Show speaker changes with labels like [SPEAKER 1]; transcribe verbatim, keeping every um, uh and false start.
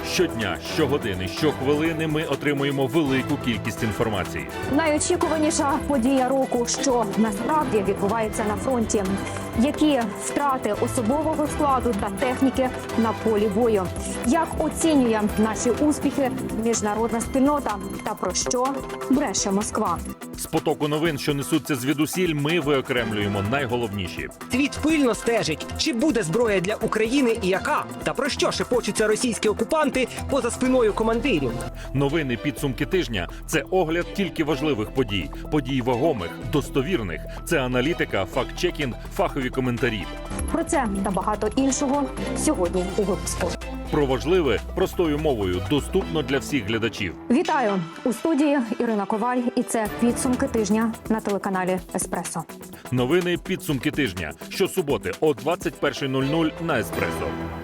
[SPEAKER 1] Щодня, щогодини, щохвилини ми отримуємо велику кількість інформації.
[SPEAKER 2] Найочікуваніша подія року, що насправді відбувається на фронті. Які втрати особового складу та техніки на полі бою? Як оцінює наші успіхи міжнародна спільнота? Та про що бреше Москва?
[SPEAKER 1] З потоку новин, що несуться звідусіль, ми виокремлюємо найголовніші.
[SPEAKER 3] Світ пильно стежить, чи буде зброя для України і яка? Та про що шепочуться російські окупанти поза спиною командирів?
[SPEAKER 1] Новини підсумки тижня – це огляд тільки важливих подій. Подій вагомих, достовірних. Це аналітика, факт-чекінг, фахові коментарі.
[SPEAKER 2] Про це та багато іншого сьогодні у випуску.
[SPEAKER 1] Про важливе простою мовою, доступно для всіх глядачів.
[SPEAKER 2] Вітаю! У студії Ірина Коваль, і це підсумки тижня на телеканалі «Еспресо».
[SPEAKER 1] Новини підсумки тижня. Щосуботи о двадцять перша нуль нуль на «Еспресо».